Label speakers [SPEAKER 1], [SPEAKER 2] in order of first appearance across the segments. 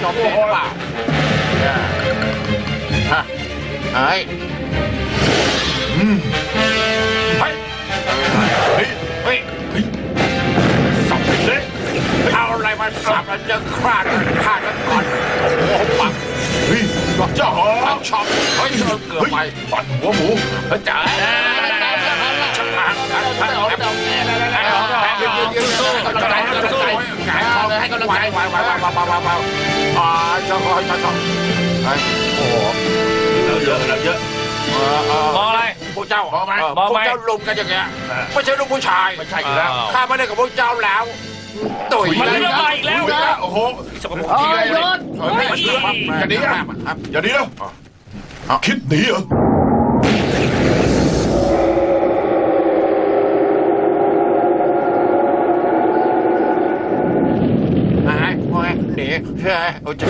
[SPEAKER 1] จบเองเปล่าฮะเฮ้ยเฮ้ยเฮ้ยสับไปเลยเอาอะไรมาสับแล้วจะฆ่ากันก่อนโอ้โหปักเฮ้ยเจ้าปักช็อปเฮ้ยเกือบไปปัดหัวหมูจ๋าฉันผ่านให้กำลังใจให้กำลังใจจะคอยโอ้โหเยอะ
[SPEAKER 2] มองอะไร
[SPEAKER 1] พวกเจ้าพวกเจ้าลุมกันอย่างเงี้ยไม่ใช่ลูกผู้ชายไม่ใช่อยู่แล้วข้าไม่ได้กับพวกเจ้าแล้วตุ๋ย
[SPEAKER 2] มันเรื่องใหม่อีกแล้ว
[SPEAKER 3] โอ้โหทีไรเลยอย่าหนีนะอย่าหนีนะคิดหนีเหรอ
[SPEAKER 1] หนีใช่โอ้จะ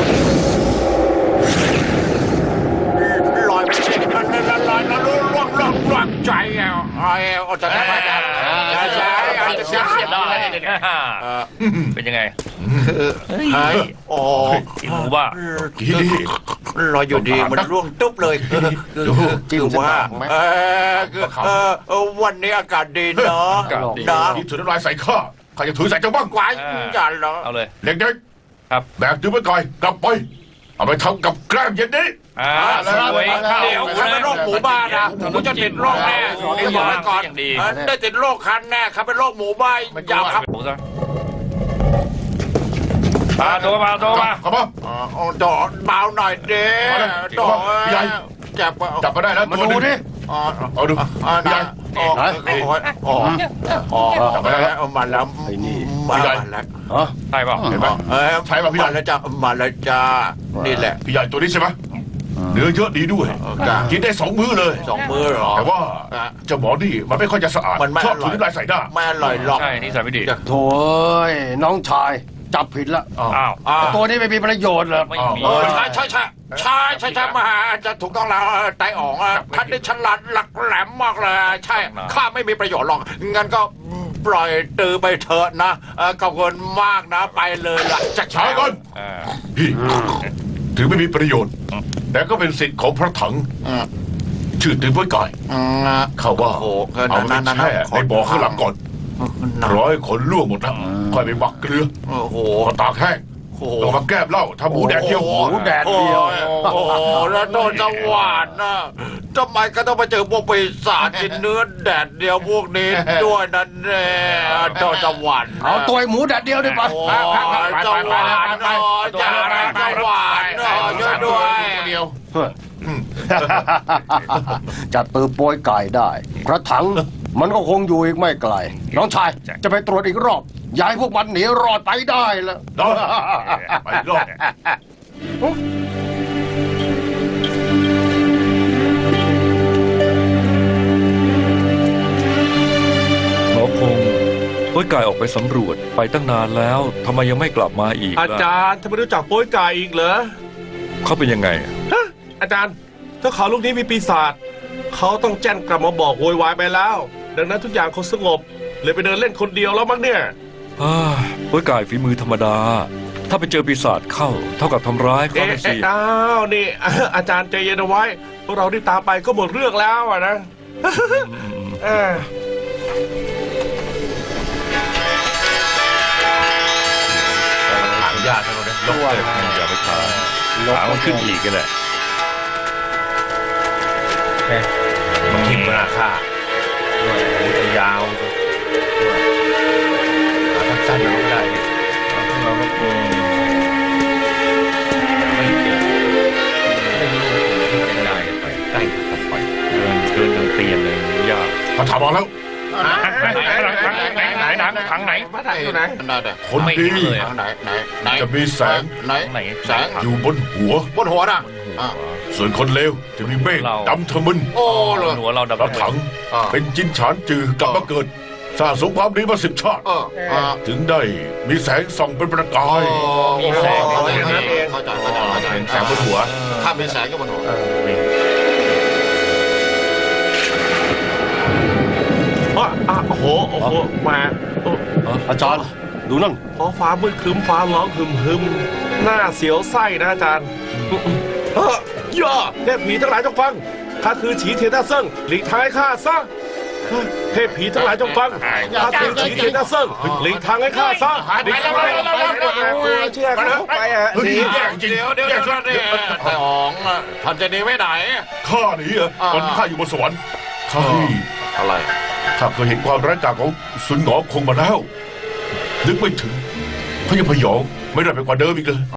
[SPEAKER 1] ลอยไปสิลอยแล้วล่วงใจอ่ะโอ้จะทำไมกันจะเสียได้
[SPEAKER 2] เป็นยังไง
[SPEAKER 1] เฮ้ยโอ้
[SPEAKER 2] หมูบ้า
[SPEAKER 1] ลอยอยู่ดีมันร่วงตุ๊บเลยคือว่าวันนี้อากาศดีเนาะ
[SPEAKER 3] นี่ถือน้ำลายใส่ข้าใครจะถือใส่เจ้าบ้าง
[SPEAKER 1] กวายอย่าเหรอ
[SPEAKER 2] เอาเลย
[SPEAKER 3] เด็กๆครับแบกถือไปก่อนกลับไปเอาไปทำกับแกล้มเย็นนี้
[SPEAKER 2] เดี๋
[SPEAKER 1] ยวข้าเป็นโรคหมูบ้านะผมจะติดโรคแน่บอกไว้ก่อนได้ติดโรคคันแน่ครับเป็นโรคหมูบ้าอย่าครับ
[SPEAKER 2] โทรมา
[SPEAKER 3] กลับมา
[SPEAKER 1] ดอเบาหน่อยเด้ดอ
[SPEAKER 3] ใหญ่จับมาได้แล้ว
[SPEAKER 1] มาดูดิ
[SPEAKER 3] เอาดูใหญ่
[SPEAKER 1] จับมาแล้วมาแล้วมาแล้ว
[SPEAKER 2] ใช่ป่ะ
[SPEAKER 3] เห็นไหมใช่ป่ะพี่ใหญ่
[SPEAKER 1] แล้วจ้ามาแล้วจ้านี่แหละ
[SPEAKER 3] พี่ใหญ่ตัวนี้ใช่ไหมเนื้อเยอะดีด้วยกินได้2 มื้อเลย
[SPEAKER 1] 2 มื้อหรอ
[SPEAKER 3] แต่ว่าเจ้าหมอนี่มันไม่ค่อยจะสะอาดชอบถือน้ำลายใส่หน้า
[SPEAKER 1] ไม่อร่อยหรอก
[SPEAKER 2] ใช่นี่ใส่ไม่ดี
[SPEAKER 4] โถ่น้องชายจับผิดละตัวนี้ไม่มีประโยชน์หรอก
[SPEAKER 1] ใช่มาจะถูกต้องแล้วไตอ๋องท่านได้ฉลาดหลักแหลมมากเลยใช่ข้าไม่มีประโยชน์หรอกงั้นก็ปล่อยตือไปเถอะนะขอบคุณมากนะไปเลยล่ะ
[SPEAKER 3] จะช้าก่อนพี่ถึงไม่มีประโยชน์แต่ก็เป็นสิทธิ์ของพระถังชื่อตือไว้ก่อนเขาว่าเอาไปแช่ในบ่อข้างหลังก่อน100 คนล่วงหมดนะค่อยไปหมักเกลือตากแห้งเรามาแก้เหล้าทำหมูแดดเดียว
[SPEAKER 1] โอ้แล้วโดนจังหวานนะทำไมก็ต้องมาเจอพวกปีศาจกินเนื้อแดดเดียวพวกนี้ด้วยนั่นแน่โดนจังหวาน
[SPEAKER 4] เอาตัวหมูแดดเดียวได้ปะ
[SPEAKER 1] จังหวานจ่าจังหวานช่วยด้วย
[SPEAKER 3] เดียว
[SPEAKER 4] จะตือโปยไก่ได้พระถังมันก็คงอยู่อีกไม่ไกลน้องชายจะไปตรวจอีกรอบย้ายพวกมันหนีรอดไปได้แล้ว
[SPEAKER 3] ไปรอด
[SPEAKER 5] หมอคงโป้ยไก่ออกไปสำรวจไปตั้งนานแล้วทำไมยังไม่กลับมาอีก
[SPEAKER 6] อาจารย์ทำไมรู้จักโป้ยไก่อีกเหรอ
[SPEAKER 5] เขาเป็นยังไง
[SPEAKER 6] อาจารย์ถ้าเขาลูกนี้มีปีศาจเขาต้องแจ้งกลับมาบอกโวยวายไปแล้วดังนั้นทุกอย่างคงสงบเลยไปเดินเล่นคนเดียวแล้วมั้งเนี่ย
[SPEAKER 5] โป้ยไก่ฝีมือธรรมดาถ้าไปเจอปีศาจเข้าเท่ากับทำร้ายเขาสิ
[SPEAKER 6] อ้าวนี่อาจารย์ใจเย็นเอาไว้พวกเราที่ตามไปก็หมดเรื่องแล้วนะ
[SPEAKER 2] ยากจังเลยลงเลยอย่าไปขามันขึ้นอีกกันแหละมันทิ่มมาค่าจะยาวสั้นๆไม่ได้เราก็ไม่เจอไม่รู้จะได้ไปได้ไปเดินเตียนเลยยาก
[SPEAKER 3] พระถามมาแล้ว
[SPEAKER 2] ไหนถังไหน
[SPEAKER 6] พระถังอยู่ไหน
[SPEAKER 3] คนดีจะมีแสงอยู่บนหัวนะส่วนคนเลวจะมีเมฆดำทะมึน
[SPEAKER 2] หัวเราดำ
[SPEAKER 3] พระถังเป็นจินฉานจือกลับมาเกิดสร้างสงครามนี้มา10 ชาติถึงได้มีแสงส่องเป็นประกาย
[SPEAKER 2] มีแสง
[SPEAKER 1] เข้าใจแสงบนหัวถ้ามีแสงก็บนหัว
[SPEAKER 6] โอ้โหมา
[SPEAKER 4] อาจารย์ดูนั่น
[SPEAKER 6] ฟ้ามืดครึ้มฟ้าร้องหึมหน้าเสียวไส้นะอาจารย์ย่อเทพผีทั้งหลายจงฟังข้าคือฉีเทียนหน้าเซิ่งหลีกทางให้ข้าซะเทพผีทั้งหลายจงฟังข้าคือฉีเทียนหน้าเซิ่งหลีกทางให้ข้าซะ
[SPEAKER 1] ไปแล้ว
[SPEAKER 6] เชื่อเขาไปอ่ะ
[SPEAKER 3] เฮ้ย
[SPEAKER 1] เดี๋ยวของท่านจะหนีไปไหน
[SPEAKER 3] ข้าหนีเหรอตอนที่ข้าอยู่บนสวรรค์ข้า
[SPEAKER 1] อะไร
[SPEAKER 3] ข้าเคยเห็นความร้ายกาจของสุนหงอคงมาแล้ว นึกไม่ถึงเขายังพยองไม่ได้ไปกว่าเดิมอีกเลย